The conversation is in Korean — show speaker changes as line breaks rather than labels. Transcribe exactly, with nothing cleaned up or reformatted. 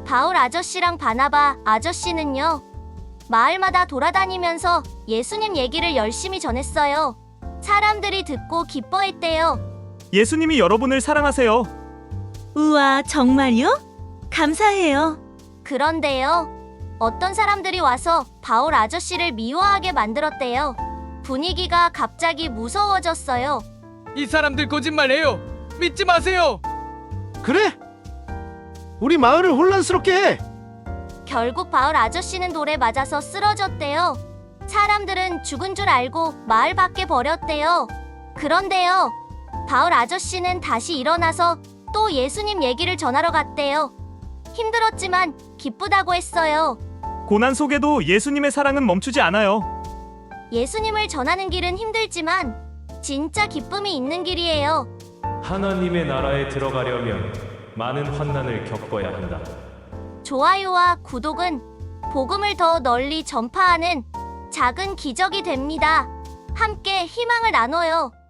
바울 아저씨랑 바나바 아저씨는요, 마을마다 돌아다니면서 예수님 얘기를 열심히 전했어요. 사람들이 듣고 기뻐했대요.
예수님이 여러분을 사랑하세요.
우와, 정말요? 감사해요.
그런데요, 어떤 사람들이 와서 바울 아저씨를 미워하게 만들었대요. 분위기가 갑자기 무서워졌어요.
이 사람들 거짓말해요. 믿지 마세요.
그래? 우리 마을을 혼란스럽게 해.
결국 바울 아저씨는 돌에 맞아서 쓰러졌대요. 사람들은 죽은 줄 알고 마을 밖에 버렸대요. 그런데요, 바울 아저씨는 다시 일어나서 또 예수님 얘기를 전하러 갔대요. 힘들었지만 기쁘다고 했어요.
고난 속에도 예수님의 사랑은 멈추지 않아요.
예수님을 전하는 길은 힘들지만 진짜 기쁨이 있는 길이에요.
하나님의 나라에 들어가려면 많은 환난을 겪어야 한다.
좋아요와 구독은 복음을 더 널리 전파하는 작은 기적이 됩니다. 함께 희망을 나눠요.